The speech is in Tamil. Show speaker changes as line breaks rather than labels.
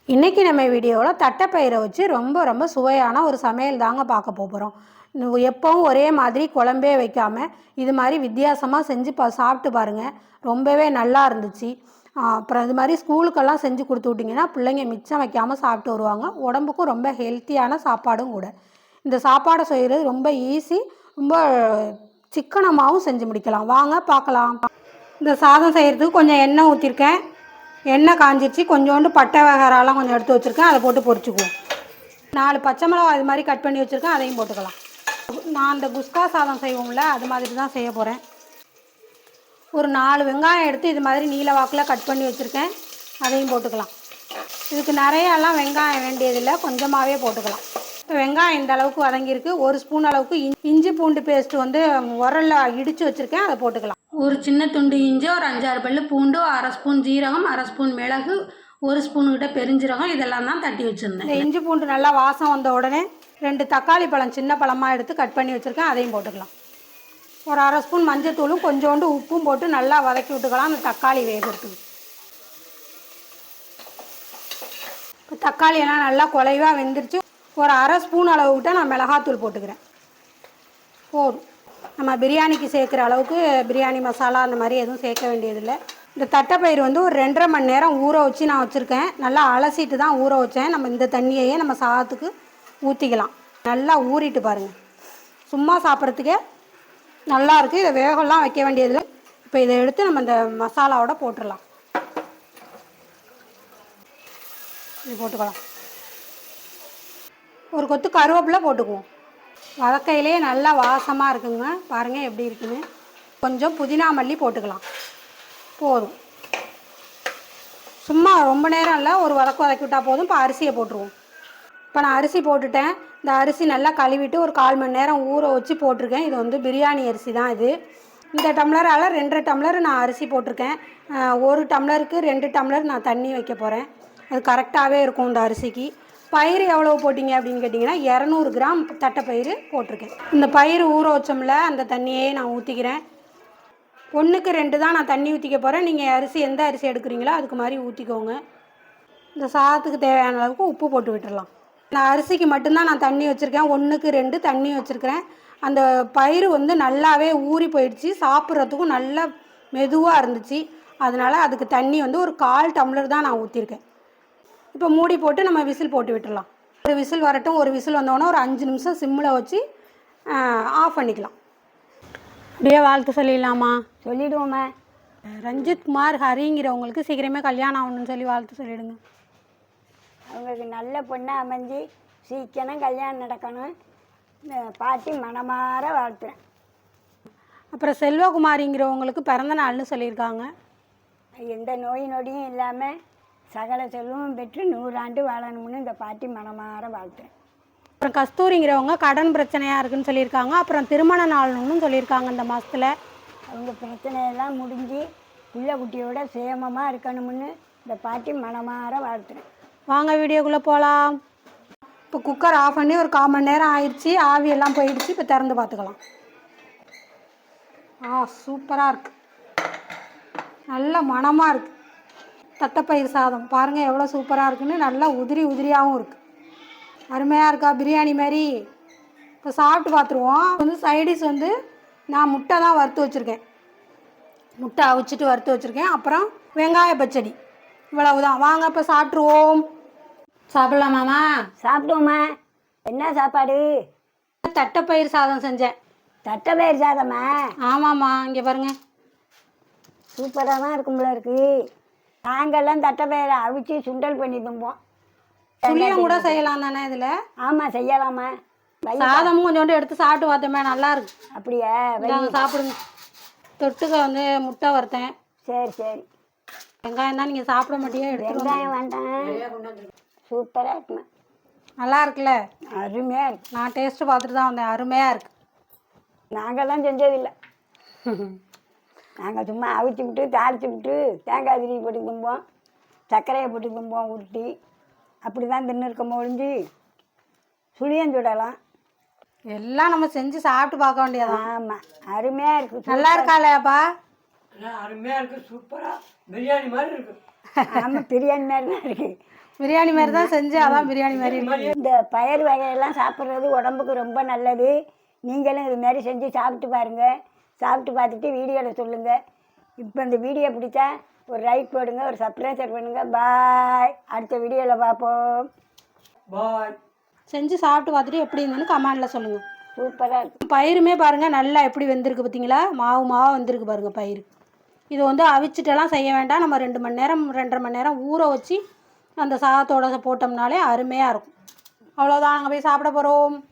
இன்றைக்கி நம்ம வீடியோவில் தட்டைப்பயிரை வச்சு ரொம்ப சுவையான ஒரு சமையல் தாங்க பார்க்க போகிறோம். எப்பவும் ஒரே மாதிரி குழம்பே வைக்காமல் இது மாதிரி வித்தியாசமாக செஞ்சு சாப்பிட்டு பாருங்கள். ரொம்பவே நல்லா இருந்துச்சு. அப்புறம் இது மாதிரி ஸ்கூலுக்கெல்லாம் செஞ்சு கொடுத்து விட்டிங்கன்னா பிள்ளைங்க மிச்சம் வைக்காமல் சாப்பிட்டு வருவாங்க. உடம்புக்கும் ரொம்ப ஹெல்த்தியான சாப்பாடும் கூட. இந்த சாப்பாடை செய்கிறது ரொம்ப ஈஸி, ரொம்ப சிக்கனமாகவும் செஞ்சு முடிக்கலாம். வாங்க பார்க்கலாம். இந்த சாதம் செய்கிறதுக்கு கொஞ்சம் எண்ணெய் ஊற்றிருக்கேன். எண்ணெய் காஞ்சிருச்சு. கொஞ்சோண்டு பட்டை வகைராலாம் கொஞ்சம் எடுத்து வச்சுருக்கேன், அதை போட்டு பொரிச்சுக்குவோம். 4 பச்சை மிளகா இது மாதிரி கட் பண்ணி வச்சுருக்கேன், அதையும் போட்டுக்கலாம். நான் இந்த குஸ்கா சாதம் செய்வோம்ல, அது மாதிரி தான் செய்ய போகிறேன். ஒரு 4 வெங்காயம் எடுத்து இது மாதிரி நீல வாக்கில் கட் பண்ணி வச்சுருக்கேன், அதையும் போட்டுக்கலாம். இதுக்கு நிறையாலாம் வெங்காயம் வேண்டியதில்லை, கொஞ்சமாகவே போட்டுக்கலாம். இப்போ வெங்காயம் இந்த அளவுக்கு வதங்கியிருக்கு. 1 ஸ்பூன் அளவுக்கு இஞ்சி பூண்டு பேஸ்ட்டு வந்து உரலில் இடித்து வச்சுருக்கேன், அதை போட்டுக்கலாம். ஒரு சின்ன துண்டு இஞ்சி, ஒரு 5-6 பல்லு பூண்டு, 1/2 ஸ்பூன் ஜீரகம், 1/2 ஸ்பூன் மிளகு, 1 ஸ்பூன்கிட்ட பெருஞ்சீரகம், இதெல்லாம் தான் தட்டி வச்சுருந்தேன். இந்த இஞ்சி பூண்டு நல்லா வாசம் வந்த உடனே 2 தக்காளி பழம் சின்ன பழமாக எடுத்து கட் பண்ணி வச்சுருக்கேன், அதையும் போட்டுக்கலாம். ஒரு 1/2 ஸ்பூன் மஞ்சத்தூளும் கொஞ்சோண்டு உப்பும் போட்டு நல்லா வதக்கி விட்டுக்கலாம். அந்த தக்காளி வேகிறதுக்கு இப்போ தக்காளியெல்லாம் நல்லா குலைவாக வெந்துருச்சு. ஒரு 1/2 ஸ்பூன் அளவுக்கிட்ட நான் மிளகாத்தூள் போட்டுக்கிறேன். போதும். நம்ம பிரியாணிக்கு சேர்க்குற அளவுக்கு பிரியாணி மசாலா அந்த மாதிரி எதுவும் சேர்க்க வேண்டியதில்லை. இந்த தட்டைப்பயிறு வந்து ஒரு 2.5 மணி நேரம் ஊற வச்சு நான் வச்சுருக்கேன். நல்லா அலசிட்டு தான் ஊற வச்சேன். நம்ம இந்த தண்ணியையே நம்ம சாதத்துக்கு ஊற்றிக்கலாம். நல்லா ஊறிட்டு பாருங்கள். சும்மா சாப்பிட்றதுக்கே நல்லாயிருக்கு. இதை வேகலாம் வைக்க வேண்டியதில்லை. இப்போ இதை எடுத்து நம்ம இந்த மசாலாவோட போட்டுடலாம். இது போட்டுக்கலாம். ஒரு கொத்து கருவேப்பிலை போட்டுக்குவோம். வதக்கையிலே நல்லா வாசமாக இருக்குங்க. பாருங்கள் எப்படி இருக்குன்னு. கொஞ்சம் புதினா மல்லி போட்டுக்கலாம். போதும். சும்மா ரொம்ப நேரம் இல்லை, ஒரு வதக்கி விட்டால் போதும். இப்போ அரிசியை போட்டுருவோம். இப்போ நான் அரிசி போட்டுட்டேன். இந்த அரிசி நல்லா கழுவிட்டு ஒரு 1/4 மணி நேரம் ஊற வச்சு போட்டிருக்கேன். இது வந்து பிரியாணி அரிசி தான் இது. இந்த டம்ளரால் 2.5 டம்ளர் நான் அரிசி போட்டிருக்கேன். 1 டம்ளருக்கு 2 டம்ளர் நான் தண்ணி வைக்க போகிறேன். அது கரெக்டாகவே இருக்கும் இந்த அரிசிக்கு. பயிறு எவ்வளோ போட்டிங்க அப்படின்னு கேட்டிங்கன்னா 200 கிராம் தட்டைப்பயிறு போட்டிருக்கேன். இந்த பயிறு ஊற வச்சோம்ல, அந்த தண்ணியே நான் ஊற்றிக்கிறேன். 1க்கு 2 தான் நான் தண்ணி ஊற்றிக்க போகிறேன். நீங்கள் அரிசி எந்த அரிசி எடுக்கிறீங்களோ அதுக்கு மாதிரி ஊற்றிக்கோங்க. இந்த சாதத்துக்கு தேவையான அளவுக்கு உப்பு போட்டு விட்டுடலாம். இந்த அரிசிக்கு மட்டும்தான் நான் தண்ணி வச்சுருக்கேன். 1க்கு 2 தண்ணி வச்சுருக்கிறேன். அந்த பயிறு வந்து நல்லாவே ஊறி போயிடுச்சு. சாப்பிட்றதுக்கும் நல்லா மெதுவாக இருந்துச்சு. அதனால் அதுக்கு தண்ணி வந்து ஒரு 1/4 டம்ளர் தான் நான் ஊற்றிருக்கேன். இப்போ மூடி போட்டு நம்ம விசில் போட்டு விட்டுடலாம். ஒரு விசில் வரட்டும். ஒரு விசில் வந்தோடனே ஒரு 5 நிமிஷம் சிம்மில் வச்சு ஆஃப் பண்ணிக்கலாம். அப்படியே வாழ்த்து சொல்லிடலாமா?
சொல்லிவிடுவோம்மா.
ரஞ்சித் குமார் ஹரிங்கிறவங்களுக்கு சீக்கிரமே கல்யாணம் ஆகணும்னு சொல்லி வாழ்த்து சொல்லிவிடுங்க.
அவங்களுக்கு நல்ல பொண்ணாக அமைஞ்சு சீக்கிரம் கல்யாணம் நடக்கணும். பாட்டி மனமாற வாழ்த்துறேன்.
அப்புறம் செல்வகுமாரிங்கிறவங்களுக்கு பிறந்த நாள்னு சொல்லியிருக்காங்க.
எந்த நோய் நொடியும் இல்லாமல் சகல செல்வமும் பெற்று 100 ஆண்டு வாழணும்னு இந்த பாட்டி மனமாற வாழ்த்துறேன்.
அப்புறம் கஸ்தூரிங்கிறவங்க கடன் பிரச்சனையாக இருக்குன்னு சொல்லியிருக்காங்க. அப்புறம் திருமண நாள்னு சொல்லியிருக்காங்க. இந்த மாதத்தில்
அவங்க பிரச்சனையெல்லாம் முடிஞ்சு பிள்ளை குட்டியோட சேமமாக இருக்கணும்னு இந்த பாட்டி மனமாற வாழ்த்துறேன்.
வாங்க வீடியோக்குள்ளே போகலாம். இப்போ குக்கர் ஆஃப் பண்ணி ஒரு 1/4 மணி நேரம் ஆயிடுச்சு. ஆவியெல்லாம் போயிடுச்சு. இப்போ திறந்து பார்த்துக்கலாம். சூப்பராக இருக்குது. நல்ல மணமாக இருக்குது. தட்டைப்பயிர் சாதம் பாருங்கள் எவ்வளோ சூப்பராக இருக்குன்னு. நல்லா உதிரியாகவும் இருக்குது. அருமையாக இருக்கா பிரியாணி மாதிரி? இப்போ சாப்பிட்டு பார்த்துருவோம். வந்து சைடிஷ் வந்து நான் முட்டை தான் வறுத்து வச்சுருக்கேன். முட்டை அவிச்சிட்டு வறுத்து வச்சுருக்கேன். அப்புறம் வெங்காய பச்சடி, இவ்வளவுதான். வாங்க இப்போ சாப்பிட்ருவோம். சாப்பிட்லாமாம்மா?
சாப்பிடுவோம்மா. என்ன சாப்பாடு?
தட்டைப்பயிர் சாதம் செஞ்சேன்.
தட்டைப்பயிர் சாதம்மா?
ஆமாம்மா. இங்கே பாருங்கள்,
சூப்பராக தான் இருக்கும்போல இருக்குது. நாங்கள்லாம் தட்டைப்பயிரை அவிச்சு சுண்டல் பண்ணி தும்போம்.
சுழியம் கூட செய்யலாம் தானே இதில்?
ஆமாம், செய்யலாமா.
சாதமும் கொஞ்சோண்டு எடுத்து சாப்பிட்டு பார்த்தோமே, நல்லா இருக்கு.
அப்படியா?
சாப்பிடுங்க. தொட்டுக்க வந்து முட்டை வறுத்தேன்.
சரி.
வெங்காயம் தான் நீங்கள் சாப்பிட மாட்டீங்க.
வெங்காயம் வேண்டாம். சூப்பராக இருக்குமா.
நல்லா இருக்குல்ல?
அருமையாக இருக்கு.
நான் டேஸ்ட்டு பார்த்துட்டு தான் வந்தேன். அருமையாக இருக்குது.
நாங்கள்லாம் செஞ்சதில்லை. நாங்கள் சும்மா அவிச்சு விட்டு தாளித்து விட்டு தேங்காய் திரி போட்டு தும்போம், சர்க்கரையை போட்டு தும்போம் உருட்டி. அப்படி தான் தின்னுருக்கோம். ஒழிஞ்சு சுழியம் சுடலாம்.
எல்லாம் நம்ம செஞ்சு சாப்பிட்டு பார்க்க வேண்டியதான்.
ஆமாம், அருமையாக இருக்குது.
நல்லா இருக்காளேப்பா?
அருமையாக இருக்குது. சூப்பராக பிரியாணி மாதிரி இருக்குது.
ஆமாம், பிரியாணி மாதிரி தான் இருக்குது.
பிரியாணி மாதிரி தான் செஞ்சு அதான் பிரியாணி மாதிரி இருக்கு.
இந்த பயிர் வகையெல்லாம் சாப்பிட்றது உடம்புக்கு ரொம்ப நல்லது. நீங்களும் இது மாதிரி செஞ்சு சாப்பிட்டு பாருங்கள். சாப்பிட்டு பார்த்துட்டு வீடியோவில் சொல்லுங்கள். இப்போ இந்த வீடியோ பிடிச்சா ஒரு லைக் போடுங்க, ஒரு சப்ஸ்கிரைப் பண்ணுங்கள். பாய். அடுத்த வீடியோவில் பார்ப்போம்.
பாய்.
செஞ்சு சாப்பிட்டு பார்த்துட்டு எப்படி இருந்ததுன்னு கமெண்டில் சொல்லுங்கள்.
சூப்பராக இருக்கும்.
பயிருமே பாருங்கள் நல்லா எப்படி வெந்திருக்கு பார்த்தீங்களா? மாவு வந்திருக்கு பாருங்கள் பயிர். இது வந்து அவிச்சிட்டெல்லாம் செய்ய வேண்டாம். நம்ம 2 மணி நேரம் 2.5 மணி நேரம் ஊற வச்சு அந்த சாதத்தோட போட்டோம்னாலே அருமையாக இருக்கும். அவ்வளோதான், நாங்கள் போய் சாப்பிட போகிறோம்.